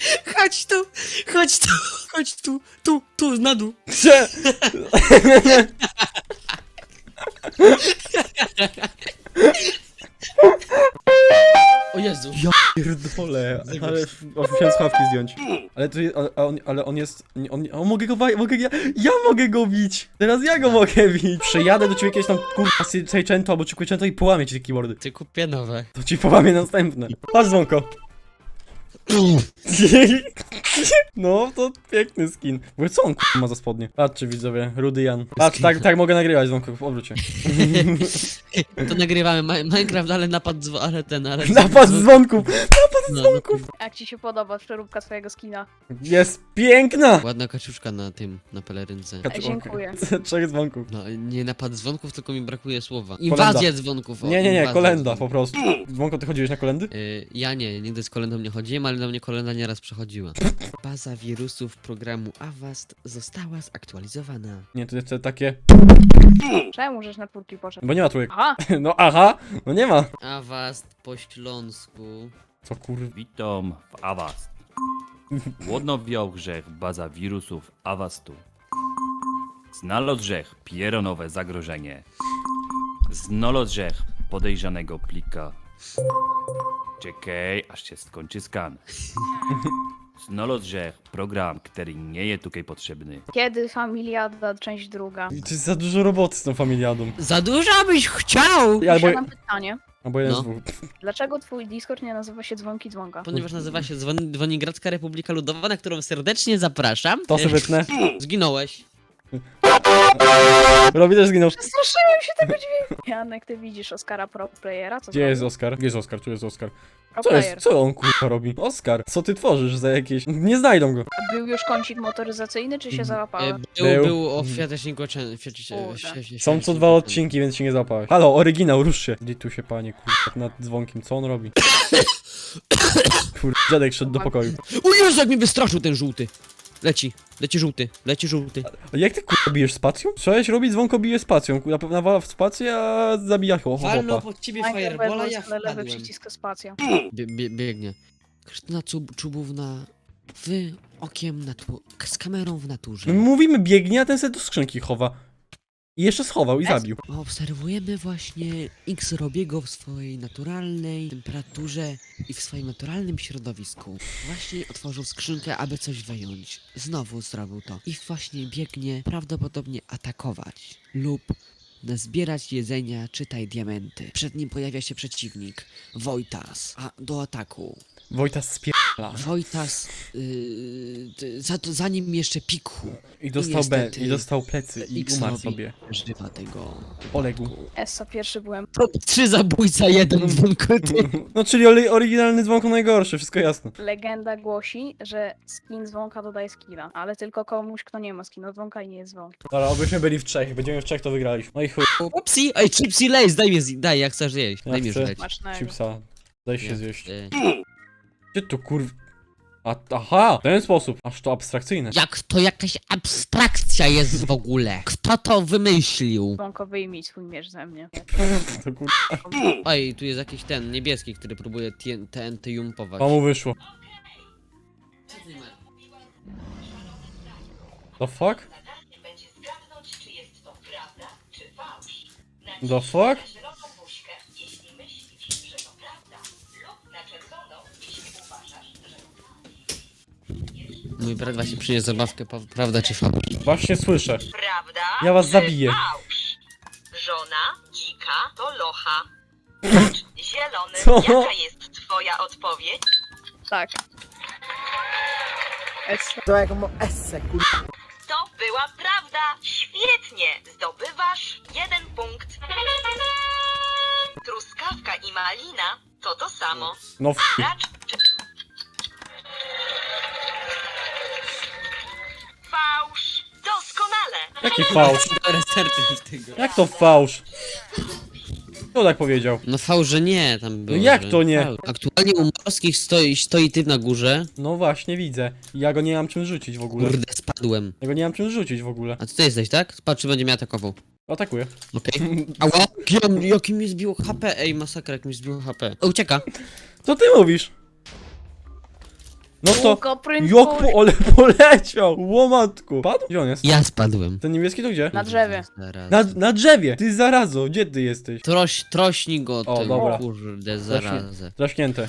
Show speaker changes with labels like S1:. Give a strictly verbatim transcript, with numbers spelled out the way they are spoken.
S1: Chodź tu, chodź tu, chodź tu, tu, tu, na dół.
S2: Cze-
S1: O Jezu.
S2: Ja pierdolę, ale musiałem słuchawki zdjąć. Ale to jest, ale, on, ale on jest, nie- on, on mogę go, wa- mogę, ja, ja mogę go bić. Teraz ja go mogę bić. Przejadę do ciebie kiedyś tam, kurwa, Seicento albo Chiquicento i połamię ci te keyboardy.
S1: Ty kupię nowe.
S2: To ci połamię następne. Patrz, dzwonko. No, to piękny skin. W ogóle co on kurwa ma za spodnie? Patrzcie widzowie, Rudy Jan. Patrz, tak, tak mogę nagrywać, dzwonko, w obrócie.
S1: To nagrywamy Ma Minecraft, ale napad dzwo ale ten, ale...
S2: Napad dzwonków!
S1: No,
S2: dzwonków!
S3: Jak ci się podoba przeróbka twojego skina?
S2: Jest piękna!
S1: Ładna kaczuszka na tym, na pelerynce.
S3: Ej, dziękuję.
S2: Trzech dzwonków.
S1: No, nie napad dzwonków, tylko mi brakuje słowa.
S2: Kolenda.
S1: Inwazja dzwonków. O,
S2: Nie, nie, nie,
S1: inwazja
S2: kolenda po
S1: dzwonków.
S2: prostu. Dzwonko, ty chodziłeś na kolendy?
S1: Y, ja nie, nigdy z kolendą nie chodziłem, ale na mnie kolenda nieraz przechodziła. Baza wirusów programu Avast została zaktualizowana.
S2: Nie, to jest takie...
S3: Czemu żeś na twórki poszedł?
S2: Bo nie ma trójek.
S3: Aha!
S2: No aha, no nie ma.
S1: Avast po śląsku.
S2: Co kurwa?
S4: Witam w Avast. Głodnowiał grzech baza wirusów Avastu. Znalazł grzech pieronowe zagrożenie. Znalazł grzech podejrzanego plika. Czekaj, aż się skończy skan. Znalazł grzech program, który nie jest tutaj potrzebny.
S3: Kiedy Familiada, część druga?
S2: To jest za dużo roboty z tą familiadą.
S1: Za dużo byś chciał!
S2: Ja, Albo,
S3: Albo... pytanie.
S2: albo jeden
S1: No.
S2: z dwóch.
S3: Dlaczego twój Discord nie nazywa się Dzwonki Dzwonka?
S1: Ponieważ nazywa się Dzwon Dzwonigradzka Republika Ludowa, na którą serdecznie zapraszam.
S2: To sobie wytnę.
S1: Zginąłeś.
S2: Robi też zginął.
S3: Straszyłem się tego dźwięku! Janek, ty widzisz Oskara Pro Playera? Co
S2: Gdzie jest
S3: zrobił?
S2: Oskar? Gdzie jest Oskar? Tu jest Oskar.
S3: Pro
S2: Co
S3: Player.
S2: jest? Co on kurwa robi? Oskar, co ty tworzysz za jakieś... Nie znajdą go.
S3: Był już kącik motoryzacyjny, czy się
S1: E,
S3: załapałem?
S1: Był,
S2: Był.
S1: był o Fiateczniku
S3: Kurde.
S2: Są co dwa odcinki, więc się nie załapałeś. Halo, oryginał, rusz się. Gdzie tu się panie kurwa nad dzwonkiem? Co on robi? Kurwa, dziadek szedł do pokoju.
S1: O Jezu, jak mnie wystraszył ten żółty! Leci, leci żółty, leci żółty.
S2: A jak ty kurwa bijesz spacją? Trzeba robić dzwonko bije spacją. Kurwa, nawala w spację, a zabija ho, ho,
S1: Walno
S2: hopa.
S1: pod ciebie
S3: Najpierw
S1: firebola,
S3: wezmę
S1: ja
S3: sobie lewy
S1: wpadłem.
S3: przycisk spacja.
S1: Bie, bie, biegnie. Krystyna Czub Czubówna w okiem natu z kamerą w naturze.
S2: My mówimy biegnie, a ten se do skrzynki chowa. I jeszcze schował i
S3: Es-
S2: zabił.
S1: Obserwujemy właśnie X Robiego w swojej naturalnej temperaturze i w swoim naturalnym środowisku. Właśnie otworzył skrzynkę, aby coś wyjąć. Znowu zrobił to. I właśnie biegnie prawdopodobnie atakować lub zbierać jedzenia, czytaj diamenty. Przed nim pojawia się przeciwnik, Wojtas, a do ataku.
S2: Wojta spierdala.
S1: Wojtas, yy, t- za, to- za nim jeszcze Pikhu.
S2: I dostał B,
S1: niestety
S2: i dostał plecy i
S1: X
S2: umarł
S1: robi
S2: sobie.
S1: Żywa tego.
S2: Poległ.
S3: Essa pierwszy byłem.
S1: Top trzy zabójca, jeden dzwonkoty.
S2: No czyli ory- oryginalny dzwonko najgorszy, wszystko jasne.
S3: Legenda głosi, że skin dzwonka dodaje skina, ale tylko komuś, kto nie ma skina dzwonka i nie jest dzwonkiem.
S2: Dobra, obyśmy byli w trzech, będziemy w trzech to wygraliśmy. No i chuj,
S1: Upsi, ej, chipsy lays, daj mi, zj- daj, jak chcesz jeść,
S2: Ja
S1: daj mi
S2: chcę.
S1: już leć.
S3: Smacznego.
S2: chipsa. Daj się
S1: Nie,
S2: zjeść.
S1: y,
S2: Gdzie tu kurw... A, aha, w ten sposób. Aż to abstrakcyjne.
S1: Jak to jakaś abstrakcja jest w ogóle? Kto to wymyślił?
S3: Dzwonko, wyjmij swój miecz ze mnie.
S2: To kur...
S1: Oj, tu jest jakiś ten niebieski, który próbuje T N T jumpować.
S2: To mu wyszło. The fuck?
S5: Będzie zgadnąć, czy jest to prawda, czy fałsz.
S2: The fuck?
S5: Na zieloną buźkę, jeśli myślisz, że to prawda, lub na czerwoną, jeśli uważasz, że to fałsz.
S1: Mój brat właśnie przyniósł zabawkę, pa- prawda czy fałsz?
S2: Właśnie słyszę.
S5: Prawda?
S2: Ja was
S5: czy
S2: zabiję.
S5: Fałsz? Żona dzika to locha. Zielony,
S2: Co?
S5: jaka jest twoja odpowiedź?
S3: Tak. Essa.
S6: To jak mo esse, kur...
S5: To była prawda. Świetnie. Zdobywasz jeden punkt. Truskawka i malina to to samo.
S2: No f...
S5: Racz... Fałsz. Doskonale.
S2: Jaki fałsz?
S1: Research tego.
S2: Jak to fałsz? Kto tak powiedział?
S1: No fałsz, że nie, tam było.
S2: jak
S1: że
S2: to nie?
S1: fałsz. Aktualnie u morskich stoi, stoi ty na górze.
S2: No właśnie, widzę. Ja go nie mam czym rzucić w ogóle.
S1: Kurde, spadłem.
S2: Ja go nie mam czym rzucić w ogóle.
S1: A ty jesteś, tak? Patrz, czy będzie mnie atakował.
S2: Atakuję.
S1: Okej. Ała! Jakim, jakim mi zbiło H P? Ej, masakra, jak mi zbiło H P. O, ucieka.
S2: Co ty mówisz? No to...
S3: Łuko, prędkość.
S2: Jak po... ale poleciał! Łomatku! Padł? Gdzie on jest?
S1: Ja spadłem.
S2: Ten niebieski to gdzie?
S3: Na drzewie.
S1: Zaraz.
S2: Na, na drzewie! Ty zarazo, gdzie ty jesteś?
S1: Troś, trośnij go
S2: O,
S1: tym,
S2: dobra.
S1: kurde, zarazę.
S2: Draśnięte.